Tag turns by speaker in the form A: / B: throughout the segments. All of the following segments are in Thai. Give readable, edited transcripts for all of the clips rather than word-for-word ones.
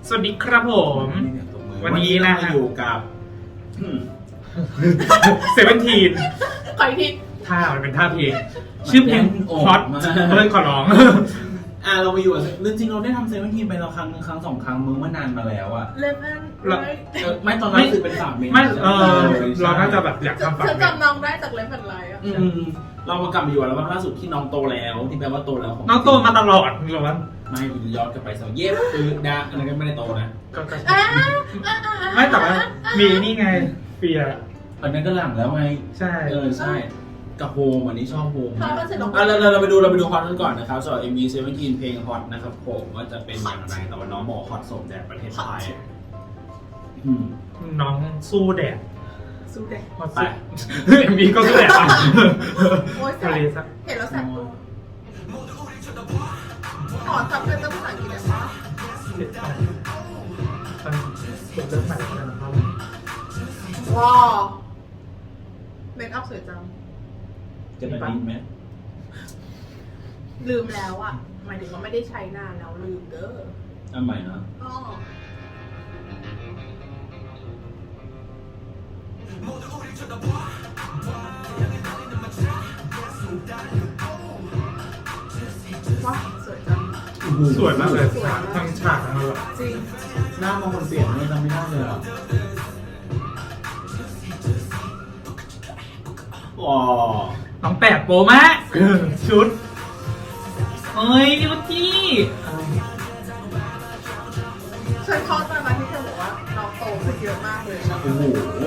A: สวัสดีครับผมวันนี้นะฮะ
B: อยู่กับ
A: 17
C: ขออีกที
A: ท่ามันเป็นท่าเพลงชื่อเพลงฮอตขอร้อง
B: เราไปอยู่จริงๆเราได้ทำ17ไปเราครั้งสองครั้งเมื่อนานมาแล้วอะ
C: เลเว่น
B: ไม่ตอนนั้นคือเป็นฝากเมน
A: ไม่เราน่าจะแบบอยากทำฝากเมน
C: จำน้องได้จากเลเว่นไลน์อ่ะ
B: เรามากลับมาอยู่แล้วล่าสุดที่น้องโตแล้วที่แปลว่าโตแล้ว
A: น้องโตมาตลอดหรอวะ
B: ไม่ย้อนกลับไปสักเย็บดาอันนั้นก็ไม่ได้โตนะ
A: ไม่แต่ว่ามีนี่ไงเฟีย
B: อันนั้นก็หลังแล้วไง
A: ใช่
B: ใช่กับโฮมอันนี้ชอบโฮมเราไปดูฮอตกันก่อนนะครับสำหรับ MV17 เพลงฮอตนะครับผมว่าจะเป็นอย่างไรแต่ว่าน้องบอกฮอตสมแดดประเทศไทย
A: น้องสู้แดด
C: สู้แดด
A: ไปMVก็สู้แดด
C: โอ้ยเห็นแล้วแสบตัวขอจับเป็นภาษาอังกฤษได้ไหม
A: เป็นเรื่องใหม่แล้วนะครับ
C: ว้าวเมคอัพสวยจัง
B: จะไปดิ้นไหม
C: ลืมแล้วอ่ะหมายถึงว่าไม่ได้ใช้นานแล้วลืมเด้อ
B: อันใหม่นะ
C: ว้าสวยจัง
A: สวยมากเลยทั้งฉากทั้งแบบ
C: จริง
B: หน้ามองคนเปลี่ยนเลยจำไม่ได้เลยอ่ะว้าว
A: น้องแปดโปรมากชุดเฮ้ยนิวจี้
C: ฉันชอบตอนนั้นที่เธอบอกว่าน้องโตขึ้นเยอะมากเลย
B: โอ้โห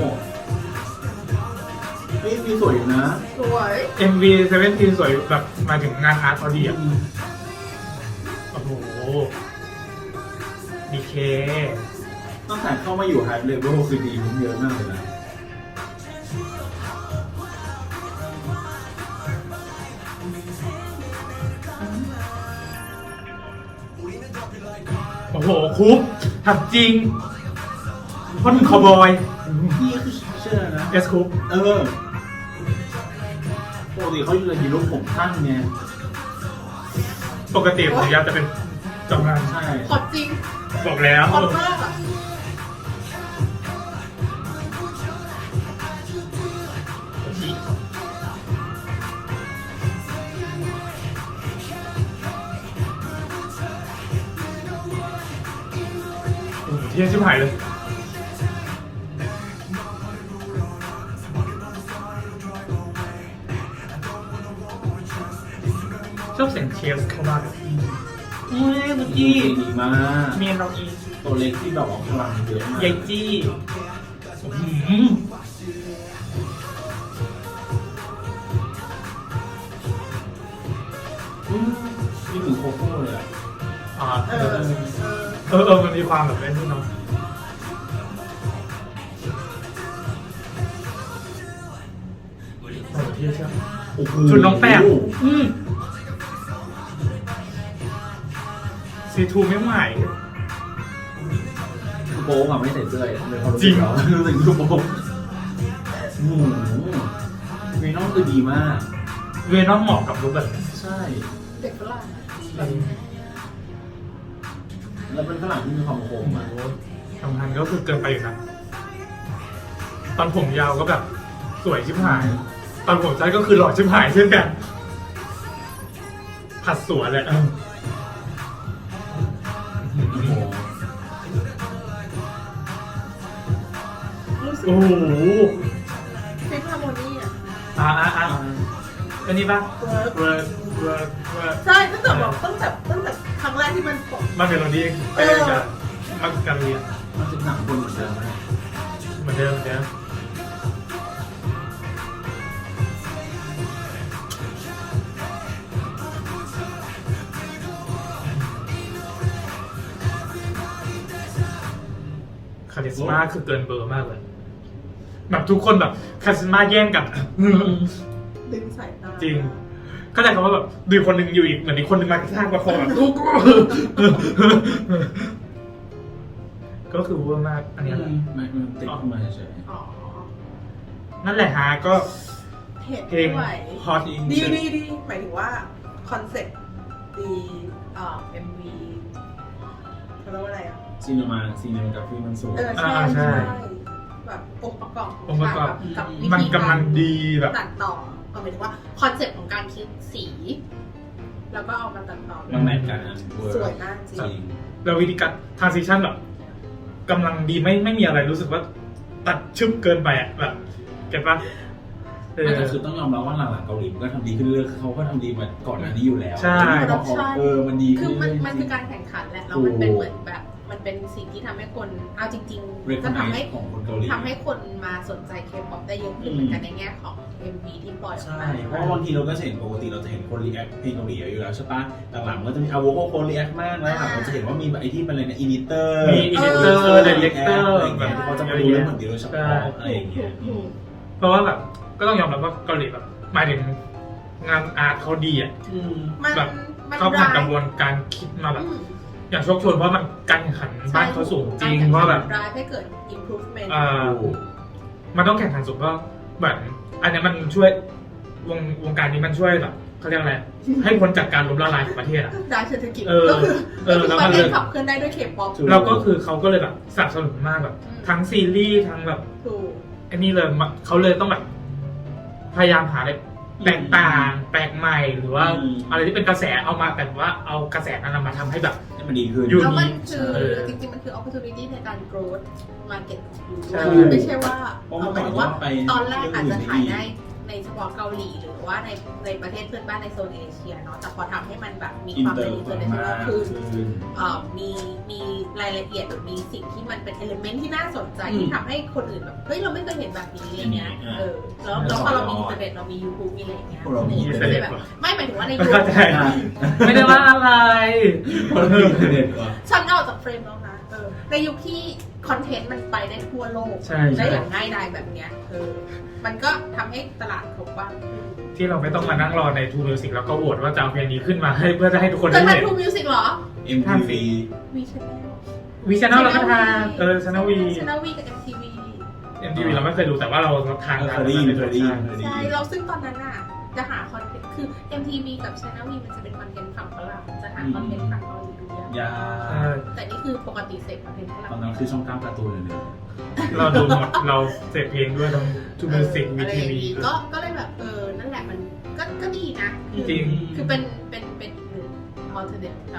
B: นี่มีสวยอยู่นะ
C: สวย
A: MV17 สวยแบบมาถึงงานอาร์ตพอดีอ่ะโอ้โหดีเค
B: ตั้งแต่เข้ามาอยู่ไฮเลเวลคือดีขึ้นเยอะมากเลยนะ
A: โอ้โหคุปทำจริงพ่นคาวบอย
B: นี่คือเชื่อนะ
A: เอสคุป
B: ปกติเขาอยู่ในฮีโร่ผมสั้นไง
A: ปกติผมยาวจะเป็นจำนาน
B: ใช่
C: ขอจริง
A: บอกแล้ว
C: ขอมากอ่ะ
A: เที่ยชิบหายเลยชอบเสียงเชฟเข้ามากเลยเฮ้ยเมื่อกี้
B: ดีมาก
A: เมียนเราอี
B: ตัวเล็กที่แบบว่าพลังเยอะมาก
A: ยายจี้
B: นี่เหมือนโคโค่เลยอ่ะ
A: มันมีความแบบเล่นที่น้องที่ใช่ชุดน้องแป้งซีทูไม่ใหม่
B: โป๊กับไม่ใส่เสื้อ
A: จริง
B: รู้สึกโป๊เวนอมคือดีมาก
A: เวนอมเหมาะกับลุคแบบ
B: ใช่
C: เด็กฝรั่ง
B: แล้วเป็นฝรั่งที่มีความโค้งมา
A: สำคัญก็คือเกินไปอยู่นะตอนผมยาวก็แบบสวยชิบหายตอนผมสั้นก็คือหล่อชิบหายเช่นกันผัดสวนเลยโอ้โห
C: ฟิล์มฮาร์โมนีอ่ะ
A: อันนี้ป่ะ
C: ใช่ตั้งแต่ครั้งแรกที่มัน
A: มันเป็นโรดี้มันการเรียน
B: มันจะหนักคนเหมือนเดิม
A: คาริสมาคือเกินเบอร์มากเลยแบบทุกคนแบบคาริสมาแย่งกัน
C: ดึงสายตา
A: จริงเข้าใจคำว่าแบบดูคนหนึ่งอยู่อีกเหมือนอีกคนหนึ่งมากระชากประคองแบบก็คือว่ามากอันนี้แหละ
B: มันติดขึ้นมาเฉย
A: นั่นแหละฮะก็
C: เพลง
A: ฮอต
C: ดีหมายถึงว่าคอนเซ็ปต์ดีMV เขาเรียกว่าอะไรอ่ะ
B: ซีนีมากราฟีมันสูง
C: ใช่
A: ใช่
C: แบบองค์ประกอบ
A: องค์ประกอบ
C: กับวิ
A: มัน
C: ธี
A: กำลังดีแบบ
C: ตัดต่อหมายถึงว่าคอนเซ็ปต์ของการคิดสี แล้วก็เอามาตัดต่อ
B: มันแมทกันนะเวอร์
C: สวยมากจริ
B: จริ
C: ง
B: ง
A: แล้ววิธีการ transition แบบกำลังดีไม่มีอะไรรู้สึกว่าตัดชึบเกินไปอ่ะแบบเก็ตปะ
B: แต่คือต้องยอมรับว่าหลังๆเกาหลีมันก็ทำดีขึ้นเรื่อยๆเขาก็ทำดีมาก่อนหน้านี้อยู่แล้ว
A: ใช่
B: มันดี
C: คื
B: ขึ้
C: อน มัน
B: เรื่อยๆ
C: มันคือการแข่งขันแหละแล้วมันเป็นเหมือนแบบมันเป็นสิ่งที่ทำให้คนเอาจริงๆก็ทำให้
B: ของคนเกาหลี
C: ทำให้คนมาสนใจเคป๊อปได้เยอะขึ้นเหมือนกันในแง่ของ MV ที่ปล่อยออก
B: ใช่
C: มา
B: เพราะว่าบางทีเราก็จะเห็นปกติเราจะเห็นคนรีแอคเพลงเกาหลีอยู่แล้วใช่ปะหลังๆมันก็จะมีโวโคคนรีแอคมากแล้วหลังเราจะเห็นว่ามีไอที่เป็นอะไรนะอินิเตอร์
A: มี editor director
B: อะไรอย่างเงี้ยเขาจะมาดูเรื่องเหมือนเดียวโดยเฉพาะอะไรอย่างเงี้ย
A: เพราะว่าแบบก็ต้องยอมรับว่าเกาหลีแบบหมายถึงงานอาร์ตเขาดีอ่ะ
C: มัน
A: แบบ
C: มัน
A: เขาผ่านก
C: ร้าย
A: ระบวนการคิดมาแบบ
C: อืม
A: อย่างโชคชวนเพราะมันการแข่งขันบ้านเขาสูงจริงเพราะแบบ
C: ร้ายให้เกิด improvement
A: มันต้องแข่งขันสูงก็แบบอันนี้มันช่วยวงการนี้มันช่วยแบบเขาเรียกอะไรให้พ้นจากการล้มละลายของประเทศอ่ะ
C: ด้านเศรษฐกิจ
A: เออ
C: ก็คือ
A: แล้ว
C: ป
A: มัน
C: ระเท
A: เล
C: ศ
A: ย
C: ขับเคลื่อนได้ด้วยเคป๊อป
A: เราก็คือเขาก็เลยแบบสนับสนุนมากแบบ ทั้งซีรีส์ทั้งแบบ
C: ถูก
A: อันนี้เลยเขาเลยต้องแบบพยายามหาอะไรแตกต่างแปลกใหม่หรือว่าอะไรที่เป็นกระแสเอามาแต่ว่าเอากระแสนั้นมาทำให้แบบ
B: ให้มันดีขึ้น
A: อยู่
C: แล้วมัน
A: นี่
C: คือ
A: เออ
C: จริงๆมันคือ opportunity ในการ growth market ของยู
A: ใช่
C: ไม่ใช่ว่า
B: เพราะ
C: ห
B: มัน
C: มายถึง
B: ว่า
C: ว่า
B: ไป
C: ตอนแรกอาจจะถ่ายได้ในเฉพาะเกาหลีหรือว่าในประเทศเพื่อนบ้านในโซนเอเชียเนาะแต่พอทำให้มันแบบมี
B: อิน
C: ความ
B: เตอ
C: เป็น
B: ร์
C: international
B: มาก
C: ขึ้น
B: ขึ้น
C: มีรายละเอียดหรือมีสิ่งที่มันเป็น element ที่น่าสนใจที่ทำให้คนอื่นแบบเฮ้ยเราไม่เคยเห็นแบบนี้อะไรเงี้ยแล้วพอเรามีอินเทอร์เน็ตเรามี YouTube มีอะไรอย่างเงี้ย
B: เรามี
A: อินเทอร์เน็ต
C: แบบไม่หมายถึงว่าใน
A: มัน
C: ยุค
A: เข้าใจไม่ได้ว่าอะไร
B: คนมีอินเทอร์เน็ตว่ะ
C: ฉันออกจากเฟรมแล้วนะในยุคที่คอนเทนต์มันไปได้ทั่วโลก
A: ใช่
C: ได้อย่างง่ายดายแบบเนี้ยมันก็ทำให้ตลาดเขากว้างขึ้น
A: ที่เราไม่ต้องมานั่งรอในทูมิวสิกแล้วก็โหวตว่าจะเอาเพลงนี้ขึ้นมาให้เพื่อจะให้ทุกคน
C: เธอ
A: ได้
C: ทัน
A: เห็น
C: ทูมิวสิกเหรอ
B: MTV
C: วีชแนล
A: วีชแนลเราก็ทานชแนลวี
C: ชแนลวีกับ MTV
A: MTV เราไม่เคยดูแต่ว่าเราทาน
B: เคยได้ยินเคยได้ยิน
C: ใช่เราซึ่งตอนนั้นน่ะจะหาคอนเทนต์คือ MTV กับ Channel V มันจะเป็นคอนเทนต์ฝั่งฝรั่งจะหาคอนเทนต์ฝั่งเกาหลีดูยาก
B: ยา
C: แต่นี่คือปกติเสพคอนเทนต์ฝรั่ง
B: ตอนนั้นคือช่อง9การ์ตูนเลย
A: เราดูหมดเราเสพเพลงด้วยทั้งทูมิวสิกวี
C: อะไร
A: ที
C: อย่าง
A: วี
C: งี้ก็เลยแบบนั่นแหละมันก็ดีนะ
A: จริง
C: คือเป็นอีกหนึ่ง alternative แบบ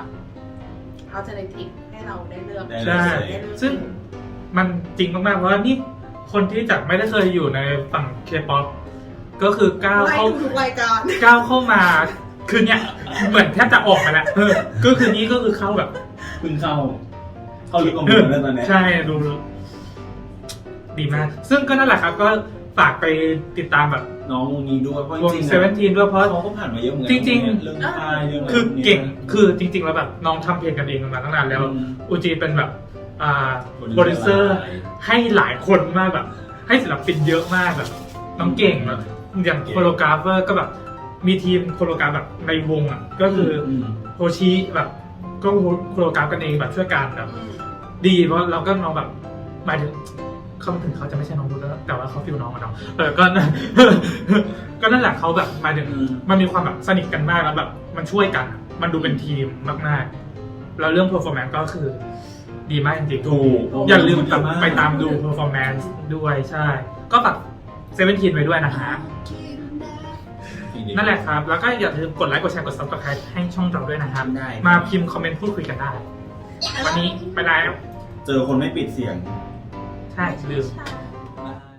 C: alternative ให้เราได้เลือก
A: ใช่ ซึ่งมันจริงมากๆเพราะว่านี่คนที่จากไม่ได้เคยอยู่ในฝั่งเคป๊อปก็คือก้าว
C: ไล่
A: เข้า
C: ทุกรายการ
A: ก้าวเข้ามาคือเนี่ยเหมือนแทบจะออกมาแล้วก็คือนี้ก็คือเข้าแบบ
B: เพิ่งเข้าลึกลงไปแล้วตอนนี้
A: ใช่ดูดีมาก ซึ่งก็นั่นแหละครับก็ฝากไปติดตามแบบ
B: น้องวงนี้ด้วยเพราะ
A: วง
B: จริง
A: เซเว่นทีนด้วยเพราะ
B: เขาก็ผ่านมาเยอะเหมือนกั
A: จริงๆ
B: เรื่องค่ายเรื่องอะไร
A: คือเก่งคือจริง ๆ แล้วแบบน้องทำเพลงกันเองมาตั้งนานแล้วอูจีเป็นแบบโปรดิวเซอร์ให้หลายคนมากแบบ ให้ศิลปินเยอะมากแบบน้องเก่งแบบอย่างโคโรกราฟเวอร์ก็แบบมีทีมโคโรกราฟแบบในวงอ่ะก็คือโฮชิแบบก็โคโรกราฟกันเองแบบช่วยกันแบบดีเพราะเราก็น้องแบบหมายถึงเขาถึงเขาจะไม่ใช่น้องรู้แล้วแต่ว่าเขาฟิลน้องอะเนาะก็ ก็นั่นแหละเขาแบบหมายถึงมันมีความแบบสนิทกันมากแล้วแบบมันช่วยกันอะมันดูเป็นทีมมากๆแล้วเรื่อง performance ก็คือดีมากจริงๆ
B: ถูก
A: อย่าลืมแบบไปตามดู performance ด้วยใช่ ก็ฝากเซเว่นทีนไว้ด้วยนะคะ นั่นแหละครับ แล้วก็อย่าลืมกดไลค์กดแชร์กด subscribe ให้ช่องเราด้วยนะครับ
B: ได้
A: มาพิมพ์คอมเมนต์พูดคุยกันได้ วันนี้ไปแล้ว
B: เจอคนไม่ปิดเสียง
A: ใช่ลืม
C: ใช่
B: ได้